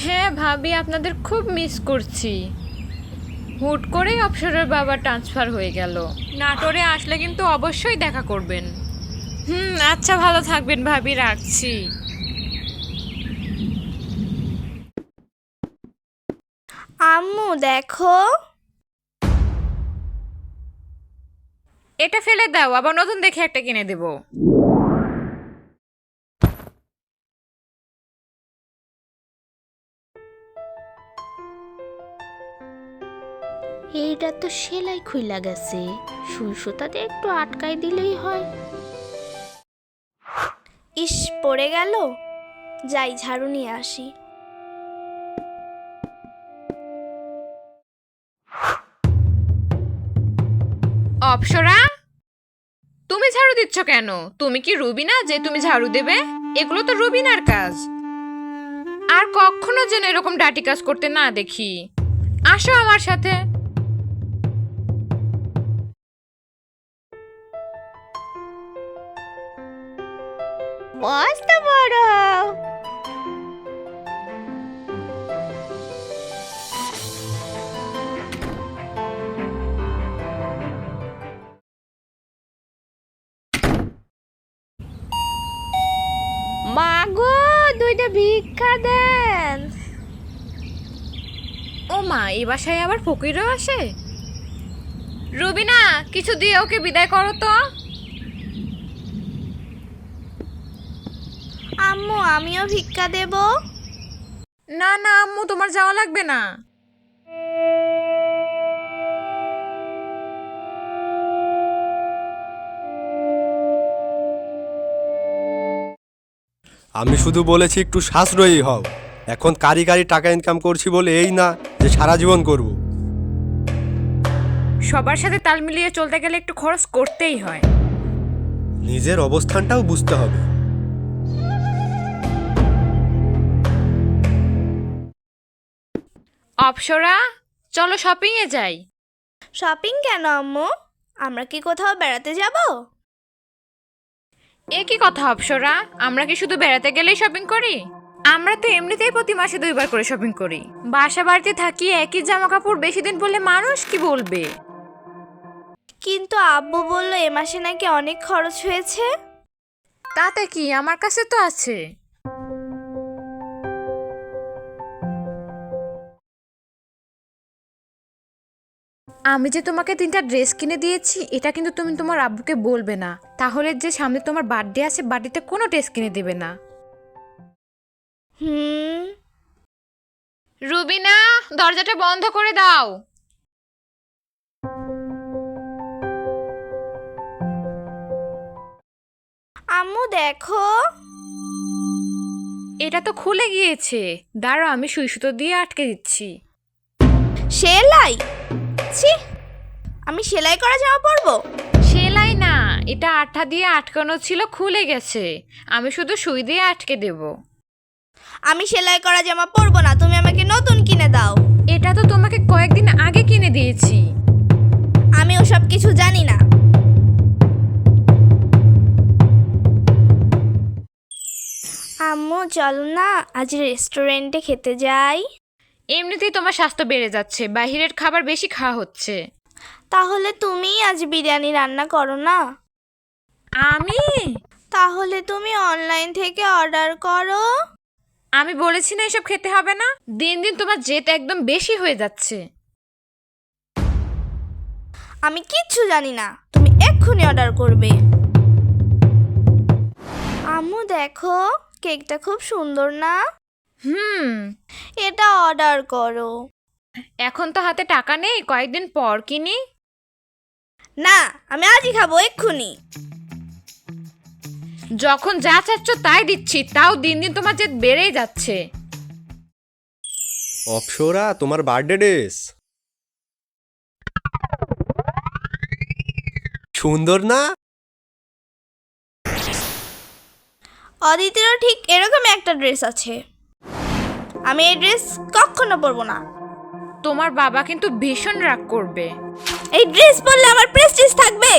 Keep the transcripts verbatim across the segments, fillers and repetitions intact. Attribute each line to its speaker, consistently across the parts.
Speaker 1: হ্যাঁ ভাবি, আপনাদের খুব মিস করছি। হুট করেই অপসরের বাবা ট্রান্সফার হয়ে গেল। নাটোরে আসলে কিন্তু অবশ্যই দেখা করবেন। হুম, আচ্ছা, ভালো থাকবেন ভাবি, রাখছি।
Speaker 2: আম্মু দেখো,
Speaker 1: এটা ফেলে দাও, আবার নতুন দেখে একটা কিনে দেব।
Speaker 2: এইটা তো সেলাই খুইলা গেছে, সুই সুতাতে একটু আটকাই দিলেই হয়। ইস, পড়ে গেল। যাই ঝাড়ু নিয়ে আসি।
Speaker 1: অপসরা, তুমি ঝাড়ু দিচ্ছ কেন? তুমি কি রুবিনা যে তুমি ঝাড়ু দেবে? এগুলো তো রুবিনার কাজ। আর কখনো যেন এরকম ডাটি কাজ করতে না দেখি। আসো আমার সাথে।
Speaker 2: মস্ত বড়। মাগো, দুইটা ভিক্ষা দেন।
Speaker 1: ও মা, এই বাসায় আবার ফকিরও আসে? রুবিনা, কিছু দিয়ে ওকে বিদায় করো তো।
Speaker 2: আম্মু, আমিও ভিক্ষা দেব।
Speaker 1: না না আম্মু, তোমার যাওয়া লাগবে না।
Speaker 3: আমি শুধু বলেছি একটু সাশ্রয়ী হও। এখন কারি কারি টাকা ইনকাম করছি বলে এই না যে সারা জীবন করব।
Speaker 1: সবার সাথে তাল মিলিয়ে চলতে গেলে একটু খরচ করতেই হয়।
Speaker 3: নিজের অবস্থানটাও বুঝতে হবে।
Speaker 1: অপসরা, চলো শপিং এ যাই।
Speaker 2: শপিং কেন আম্মু? আমরা কি কোথাও বেড়াতে যাব?
Speaker 1: এ কি কথা অপসরা, আমরা কি শুধু বেড়াতে গেলেই শপিং করি? আমরা তো এমনিতেই প্রতি মাসে দুইবার করে শপিং করি। বাসা বাড়িতে থাকি, একই জামা কাপড় বেশি দিন পরলে মানুষ কি বলবে?
Speaker 2: কিন্তু আব্বু বলল এ মাসে নাকি অনেক খরচ হয়েছে।
Speaker 1: তাতে কি, আমার কাছে তো আছে। আমি যে তোমাকে তিনটা ড্রেস কিনে দিয়েছি, এটা কিন্তু তুমি তোমার আব্বুকে বলবে না, তাহলে যে সামনে তোমার বার্থডে আছে, বার্থডেতে কোনো ড্রেস কিনে দেবে না।
Speaker 2: হুম।
Speaker 1: রুবিনা, দরজাটা বন্ধ করে দাও।
Speaker 2: আম্মু দেখো,
Speaker 1: এটা তো খুলে গিয়েছে। দাঁড়াও, আমি সুই সুতো দিয়ে আটকে দিচ্ছি।
Speaker 2: সেলাই? ছি, আমি সেলাই করা জামা পরবো?
Speaker 1: সেলাই না, এটা আঠা দিয়ে আটকানো ছিল, খুলে গেছে। আমি শুধু সুই দিয়ে আটকে দেব।
Speaker 2: আমি সেলাই করা জামা পরবো না, তুমি আমাকে নতুন কিনে দাও।
Speaker 1: এটা তো তোমাকে কয়েকদিন আগে কিনে দিয়েছি।
Speaker 2: আমি ওসব কিছু জানি না। আম্মু চলো না, আজ রেস্টুরেন্টে খেতে যাই।
Speaker 1: এমনিতেই তোমার স্বাস্থ্য বেড়ে যাচ্ছে, বাইরের খাবার বেশি খাওয়া হচ্ছে।
Speaker 2: তাহলে তুমিই আজ বিরিয়ানি রান্না করো না।
Speaker 1: আমি
Speaker 2: তাহলে তুমি অনলাইন থেকে অর্ডার করো।
Speaker 1: আমি বলেছি না এসব খেতে হবে না। দিন দিন তোমার জেদ একদম বেশি হয়ে যাচ্ছে।
Speaker 2: আমি কিচ্ছু জানি না, তুমি এক্ষুনি অর্ডার করবে। আম্মু দেখো, কেকটা খুব সুন্দর না?
Speaker 1: হুম,
Speaker 2: এটা অর্ডার করো।
Speaker 1: এখন তো হাতে টাকা নেই, কয়েকদিন পর কিনি।
Speaker 2: না, আমি আজই খাবো, এক্ষুনি।
Speaker 1: যখন যা চাচ্ছ তাই দিচ্ছি, তাও দিন দিন তোমার জেদ বেড়েই যাচ্ছে।
Speaker 3: অপসরা, তোমার বার্থডে ড্রেস সুন্দর না?
Speaker 2: অদিতিরও ঠিক এরকম একটা ড্রেস আছে। আমি এই ড্রেস কখনো পরবো না।
Speaker 1: তোমার বাবা কিন্তু ভীষণ রাগ করবে।
Speaker 2: এই ড্রেস পরলে আমার প্রেস্টিজ থাকবে?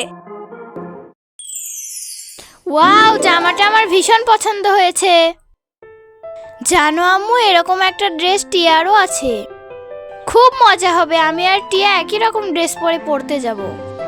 Speaker 2: ওয়াও, জামাটা আমার ভীষণ পছন্দ হয়েছে। জানো আম্মু, এরকম একটা ড্রেস টিয়ারও আছে। খুব মজা হবে, আমি আর টিয়া একই রকম ড্রেস পরে পড়তে যাব।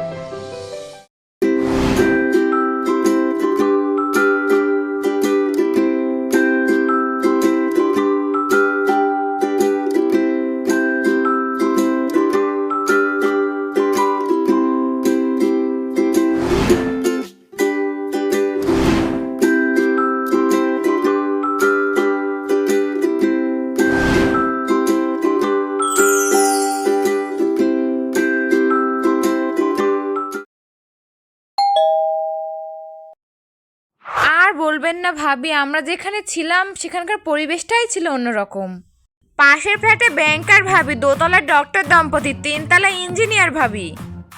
Speaker 1: আর বলবেন না ভাবি, আমরা যেখানে ছিলাম সেখানকার পরিবেশটাই ছিল অন্যরকম। পাশের ফ্ল্যাটে ব্যাংকার ভাবি, দোতলার ডক্টর দম্পতি, তিনতলা ইঞ্জিনিয়ার ভাবি।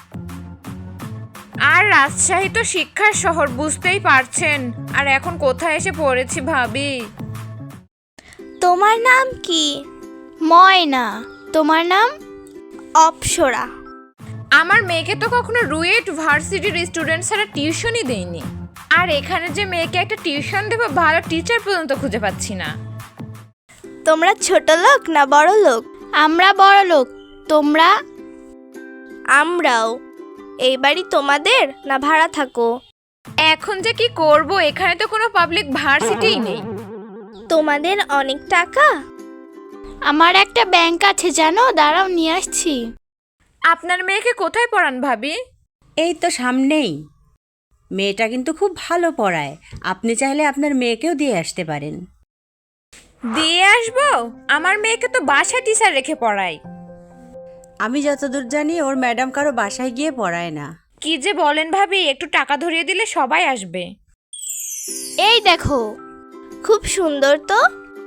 Speaker 1: আর রাজশাহী তো শিক্ষার শহর, বুঝতেই পারছেন। আর এখন কোথায় এসে পড়েছি ভাবি।
Speaker 2: তোমার নাম কি? ময়না। তোমার নাম? অপ্সরা।
Speaker 1: আমার মেয়েকে তো কখনো রুয়েট ভার্সিটির স্টুডেন্ট ছাড়া টিউশনই দেয়নি। আর এখানে যে মেয়েকে একটা টিউশন দেবো, ভালো টিচার পর্যন্ত খুঁজে পাচ্ছি না।
Speaker 2: তোমরা ছোট লোক না বড় লোক? আমরা বড় লোক। তোমরা? আমরাও। এই বাড়ি তোমাদের না ভাড়া থাকো?
Speaker 1: এখন যে কি করব, এখানে তো কোনো পাবলিক ভার্সিটিই নেই।
Speaker 2: তোমাদের অনেক টাকা? আমার একটা ব্যাংক আছে জানো, দাঁড়াও নিয়ে আসছি।
Speaker 1: আপনার মেয়েকে কোথায় পড়ান ভাবি?
Speaker 4: এই তো সামনেই। মেয়েটা কিন্তু খুব ভালো পড়ায়, আপনি চাইলে আপনার মেয়েকেও দিয়ে আসতে পারেন।
Speaker 1: দিয়ে আসবো? আমার মেয়েকে তো বাসায় টিচার রেখে পড়াই।
Speaker 4: আমি যতদূর জানি ওর ম্যাডাম কারো বাসায় গিয়ে পড়ায় না।
Speaker 1: কি যে বলেন ভাবি, একটু টাকা ধরিয়ে দিলে সবাই আসবে।
Speaker 2: এই দেখো, খুব সুন্দর তো।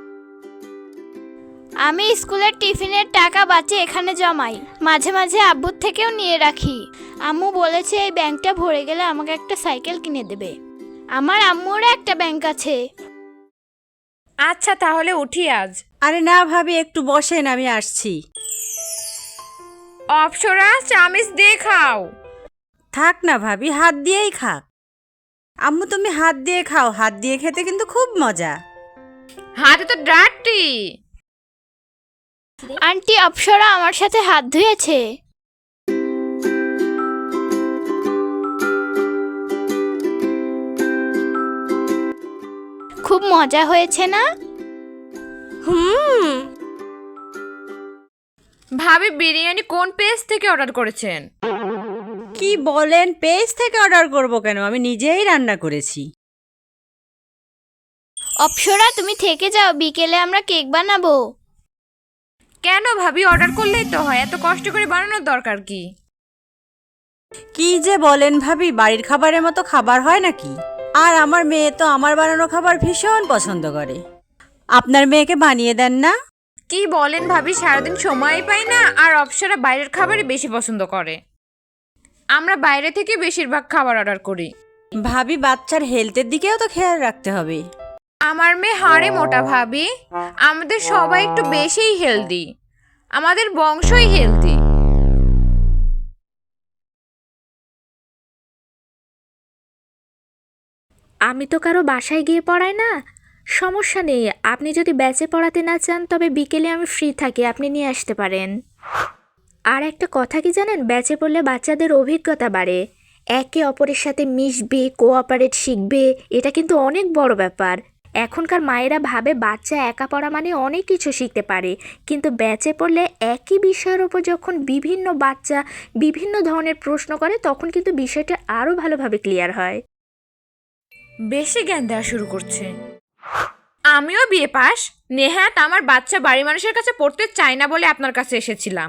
Speaker 2: আমি স্কুলের টিফিনের টাকা বাঁচে এখানে জমাই, মাঝে মাঝে আব্বুর থেকেও নিয়ে রাখি। আম্মু বলেছে এই ব্যাংকটা ভরে গেলে আমাকে একটা সাইকেল কিনে দেবে। আমার আম্মুরও একটা ব্যাংক আছে।
Speaker 1: আচ্ছা তাহলে উঠি আজ।
Speaker 4: আরে না ভাবি, একটু বসেন, আমি আসছি।
Speaker 1: অপসরা, চামিচ দিয়ে খাও।
Speaker 4: থাক না ভাবি, হাত দিয়েই খাক। আম্মু তুমি হাত দিয়ে খাও, হাত দিয়ে খেতে কিন্তু খুব মজা।
Speaker 1: হাতে তো ডার্টি।
Speaker 2: আন্টি অপসরা আমার সাথে হাত ধুয়েছে। খুব মজা হয়েছে না? হুম।
Speaker 1: ভাবি, বিরিয়ানি কোন পেজ থেকে অর্ডার করেছেন?
Speaker 4: কি বলেন, পেজ থেকে অর্ডার করব কেন, আমি নিজেই রান্না করেছি।
Speaker 2: অপসরা তুমি থেকে যাও, বিকেলে আমরা কেক বানাবো।
Speaker 1: কেন ভাবি, অর্ডার করলেই তো হয়, এত কষ্ট করে বানানোর দরকার কি?
Speaker 4: কি যে বলেন ভাবি, বাড়ির খাবারের মতো খাবার হয় নাকি? আর আমার মেয়ে তো আমার বানানো খাবার ভীষণ পছন্দ করে। আপনার মেয়েকে বানিয়ে দেন না?
Speaker 1: কি বলেন ভাবি, সারাদিন সময়ই পাই না। আর অপসরা বাইরের খাবারই বেশি পছন্দ করে। আমরা বাইরে থেকে বেশিরভাগ খাবার অর্ডার করি।
Speaker 4: ভাবি, বাচ্চার হেলথের দিকেও তো খেয়াল রাখতে হবে।
Speaker 1: আমার মেয়ে হাড়ে মোটা ভাবি। আমাদের সবাই একটু বেশিই হেলদি, আমাদের বংশই হেলদি।
Speaker 5: আমি তো কারো বাসায় গিয়ে পড়াই না, সমস্যা নেই। আপনি যদি ব্যাচে পড়াতে না চান তবে বিকেলে আমি ফ্রি থাকি, আপনি নিয়ে আসতে পারেন। আর একটা কথা কি জানেন, ব্যাচে পড়লে বাচ্চাদের অভিজ্ঞতা বাড়ে, একে অপরের সাথে মিশবে, কোঅপারেট শিখবে। এটা কিন্তু অনেক বড় ব্যাপার। এখনকার মায়েরা ভাবে বাচ্চা একা পড়া মানে অনেক কিছু শিখতে পারে, কিন্তু ব্যাচে পড়লে একই বিষয়ের ওপর যখন বিভিন্ন বাচ্চা বিভিন্ন ধরনের প্রশ্ন করে তখন কিন্তু বিষয়টা আরও ভালোভাবে ক্লিয়ার হয়।
Speaker 1: বেশি জ্ঞান দেওয়া শুরু করছে। আমিও বিয়ে পাস। নেহাত আমার বাচ্চা বাড়ি মানুষের কাছে পড়তে চায় না বলে আপনার কাছে এসেছিলাম।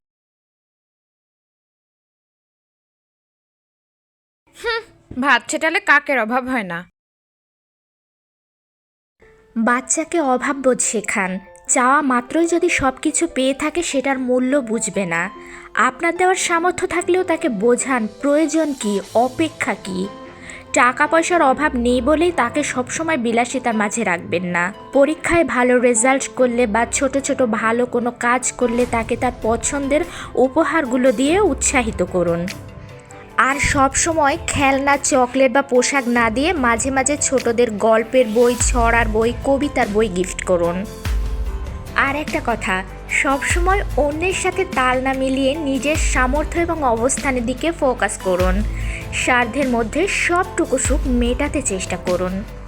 Speaker 1: হুম, ভাত ছেটালে কাকের অভাব হয় না।
Speaker 5: বাচ্চাকে অভাববোধ শেখান। চাওয়া মাত্রই যদি সব কিছু পেয়ে থাকে সেটার মূল্য বুঝবে না। আপনার দেওয়ার সামর্থ্য থাকলেও তাকে বোঝান প্রয়োজন কি, অপেক্ষা কি। টাকা পয়সার অভাব নেই বলেই তাকে সবসময় বিলাসিতার মাঝে রাখবেন না। পরীক্ষায় ভালো রেজাল্ট করলে বা ছোট ছোট ভালো কোনো কাজ করলে তাকে তার পছন্দের উপহারগুলো দিয়ে উৎসাহিত করুন। আর সব সময় খেলনা, চকলেট বা পোশাক না দিয়ে মাঝে মাঝে ছোটদের গল্পের বই, ছড়ার বই, কবিতার বই গিফট করুন। আর একটা কথা, সব সময় অন্যের সাথে তাল না মিলিয়ে নিজের সামর্থ্য এবং অবস্থানের দিকে ফোকাস করুন। সাধ্যের মধ্যে সবটুকু সুখ মেটাতে চেষ্টা করুন।